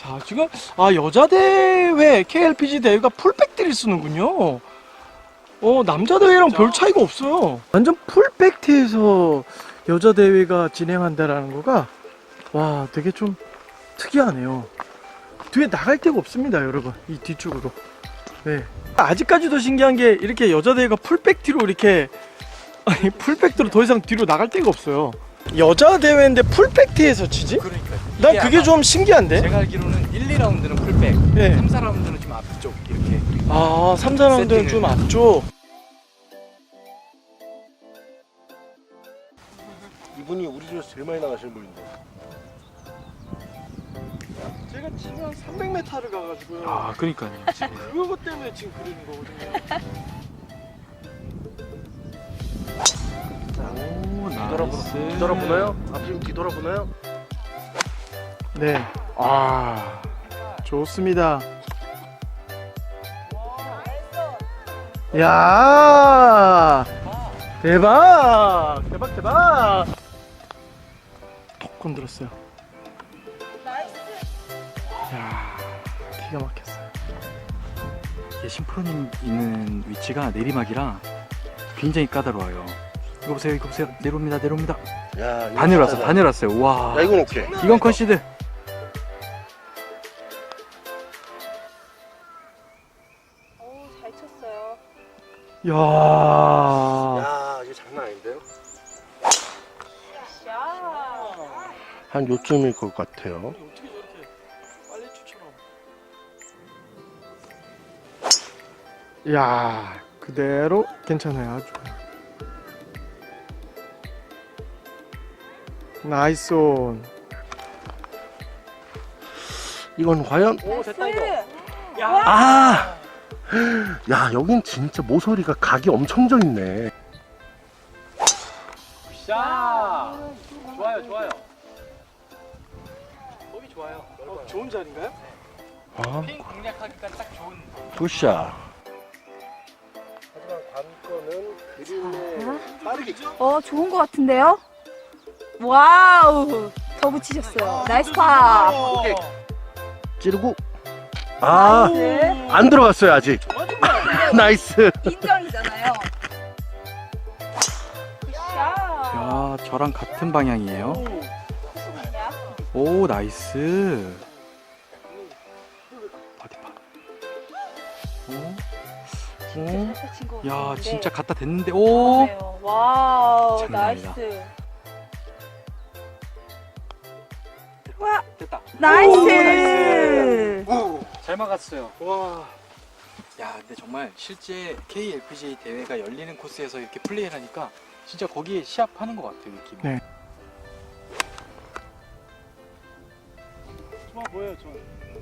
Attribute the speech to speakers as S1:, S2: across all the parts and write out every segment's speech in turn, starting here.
S1: 자, 지금 여자 대회 KLPG 대회가 풀팩트를 쓰는군요. 남자 대회랑 별 차이가 없어요. 완전 풀팩트에서 여자 대회가 진행한다라는 거가 와, 되게 좀 특이하네요. 뒤에 나갈 데가 없습니다, 여러분. 이 뒤쪽으로. 네. 아직까지도 신기한 게 이렇게 여자 대회가 풀팩트로 이렇게 풀팩트로 더 이상 뒤로 나갈 데가 없어요. 여자 대회인데 풀팩트에서 치지?
S2: 그러니까
S1: 난 그게 좀 신기한데?
S2: 제가 알기로는 1, 2라운드는 풀백,
S1: 네.
S2: 3, 4라운드는 좀 앞쪽 이렇게.
S1: 3, 4라운드는 좀 앞쪽.
S3: 이분이 우리 중에서 제일 많이 나가시는 분인데.
S1: 제가 지금 300m를 가가지고요.
S2: 그러니까요.
S1: 그것 때문에 지금 그러는 거거든요.
S2: 오, 나이스.
S3: 뒤돌아보나요? 앞으로 뒤돌아보나요?
S1: 네. 좋습니다. 야, 대박! 대박, 대박! 톡 건드렸어요. 야, 기가 막혔어요.
S2: 신프로님 있는 위치가 내리막이라 굉장히 까다로워요. 이거 보세요, 이거 보세요. 내려옵니다, 내려옵니다.
S3: 야, 이거
S2: 다 내려왔어,
S3: 잘하다.
S2: 다 내려왔어요. 와.
S3: 야, 이건 오케이.
S2: 이건 컨시드.
S4: 잘 쳤어요.
S1: 야,
S3: 야, 이게 장난 아닌데요?
S4: 샷.
S3: 한 요쯤일 것 같아요.
S1: 어떻게 저렇게 빨리 추처럼. 야, 그대로 괜찮아요. 아주. 나이스 온.
S3: 이건 과연?
S1: 오, 됐다 이거.
S3: 아! 야, 여긴 진짜 모서리가 각이 엄청 져 있네.
S2: 자, 좋아요, 좋아요.
S1: 법이 좋아요. 좋은 자리인가요?
S3: 아,
S2: 핀 공략하기가 딱 좋은.
S3: 굿샷. 하지만 관건은 그림에 빠르게.
S4: 좋은 것 같은데요? 와우. 더 붙이셨어요. 나이스 파.
S1: 오케이.
S3: 찌르고. 아,
S4: 나이스.
S3: 안 들어갔어요, 아직. 나이스.
S4: 인정이잖아요. 샷.
S2: 야, 저랑 같은 방향이에요. 오, 나이스. 바디파. 오, 야, 진짜 갖다 댔는데, 오.
S4: 와우.
S2: 장난 아니다.
S4: 나이스. 와.
S2: 됐다.
S4: 나이스.
S2: 잘 막았어요.
S1: 와.
S2: 야, 근데 정말 실제 KLPGA 대회가 열리는 코스에서 이렇게 플레이를 하니까 진짜 거기에 시합하는 것 같아요, 느낌이.
S1: 네. 좋아 보여요, 저.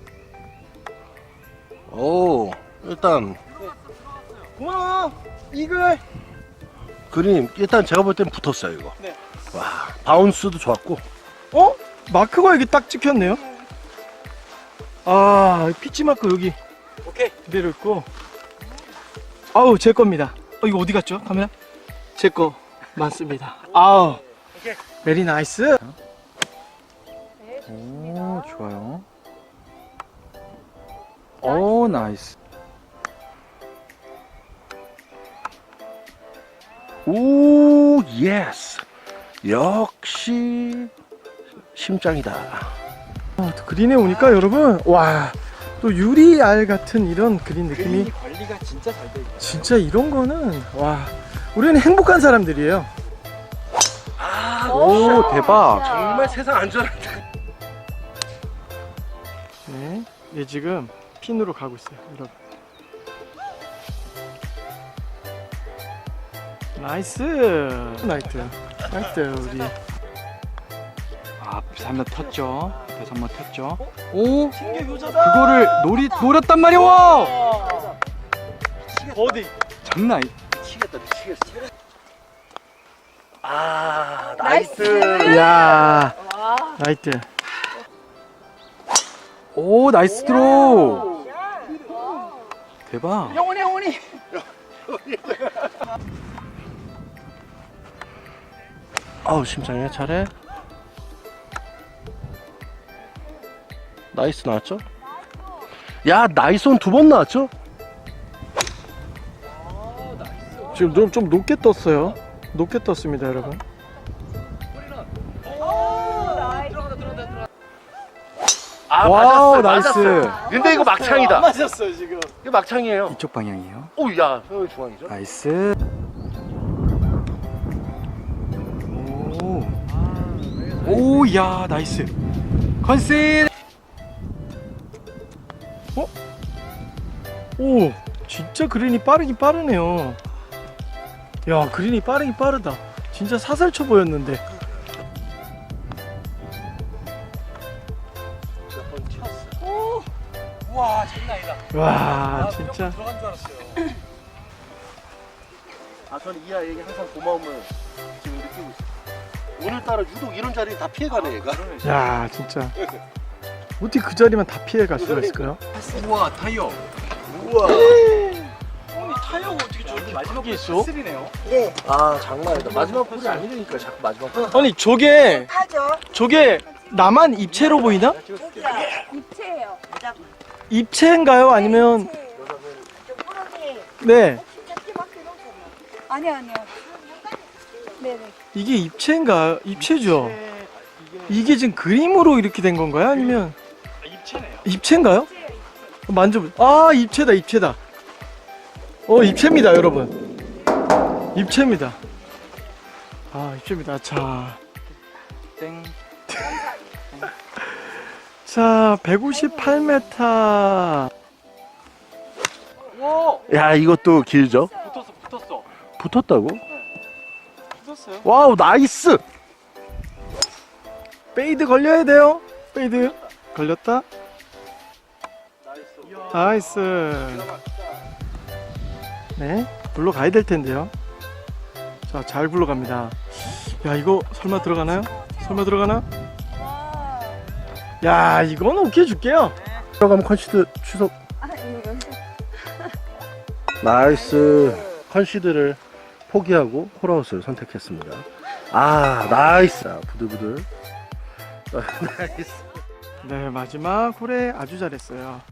S3: 오, 일단
S1: 고마워. 이글.
S3: 그림 일단 제가 볼 땐 붙었어요, 이거.
S1: 네.
S3: 와, 바운스도 좋았고.
S1: 마크가 여기 딱 찍혔네요. 피치 마크 여기
S2: 오케이.
S1: 그대로 있고. 아우, 제 겁니다. 이거 어디 갔죠? 카메라? 제 거 맞습니다. 아우.
S2: 오케이.
S1: 베리 나이스.
S4: 네,
S2: 오, 좋아요. 오, 나이스.
S3: 오, 예스. 역시 심장이다.
S1: 또 그린에 오니까 여러분, 와, 또 유리알 같은 이런 그린 느낌이
S2: 그린이 관리가 진짜 잘 돼 있어요.
S1: 진짜 이런 거는 와, 우리는 행복한 사람들이에요.
S2: 오, 대박.
S3: 정말 세상 안전한데.
S1: 네, 얘 지금 핀으로 가고 있어요, 여러분. 나이스, 나이트, 나이트 우리.
S2: 앞에서 한번 텄죠. 앞에서 한번 텄죠. 오,
S1: 신규 효자다.
S2: 그거를 노렸단 말이야. 와!
S1: 어디?
S2: 장난 아니.
S3: 미치겠다, 미치겠어. 아, 나이스.
S1: 야,
S4: 와.
S1: 나이트.
S2: 오, 나이스 드로우. 대박.
S1: 영원히.
S3: 아우, 심장이야, 잘해. 나이스 나왔죠? 야, 나이스 온 2번 나왔죠?
S1: 지금 좀 높게 떴어요. 높게 떴습니다, 여러분.
S3: 아,
S1: 와우,
S3: 맞았어.
S1: 나이스.
S3: 맞았어. 근데 이거 막창이다.
S1: 맞았어요, 지금.
S3: 이거 막창이에요.
S2: 이쪽 방향이에요.
S3: 오, 야, 서울 중앙이죠?
S2: 나이스. 오, 야, 나이스. 컨셉.
S1: 오, 진짜 그린이 빠르긴 빠르네요. 야, 그린이 빠르긴 빠르다. 진짜 사살쳐 보였는데.
S2: 오, 와, 장난 아니다.
S1: 와, 진짜.
S2: 들어간 줄 알았어요.
S3: 아, 저는 이 아이에게 항상 고마움을 지금 느끼고 있어요. 오늘따라 유독 이런 자리 다 피해가네, 얘가.
S1: 야, 진짜. 어떻게 그 자리만 다 피해 갈 수가 있을까요?
S2: 우와, 타이어.
S3: 우와.
S2: 아니, 타이어가 어떻게 저렇게
S1: 마지막 있어?
S2: 쓰리네요.
S4: 네.
S3: 아, 장난 아니다. 마지막 볼이 아니니까 자꾸 마지막 볼.
S1: 아니,
S4: 타죠.
S1: 저게 나만 입체로 보이나?
S4: 여기가 입체예요.
S1: 입체인가요? 아니면
S4: 저 뿌러기
S1: 네,
S4: 아니요, 아니요. 네네.
S1: 이게 입체인가? 입체죠. 이게 지금 그림으로 이렇게 된 건가요? 아니면
S2: 입체네요.
S1: 입체인가요? 만져보. 아, 입체다, 입체다. 입체입니다, 여러분. 입체입니다. 아, 입체입니다. 자,
S2: 땡.
S1: 자, 158m.
S2: 와,
S3: 야, 이것도 길죠?
S2: 붙었어.
S3: 붙었다고?
S2: 붙었어요.
S3: 와우, 나이스!
S1: 페이드 걸려야 돼요. 페이드 걸렸다. 나이스. 네, 굴러가야 될 텐데요. 자, 잘 굴러갑니다. 야, 이거 설마 들어가나요? 설마 들어가나?
S4: 와.
S1: 야, 이거는 오케이 줄게요.
S3: 들어가면 컨시드 취소.
S4: 아, 이거 여기서.
S3: 나이스. 컨시드를 포기하고 홀아웃을 선택했습니다. 아, 나이스. 자, 부들부들. 나이스.
S1: 네, 마지막 홀에 아주 잘했어요.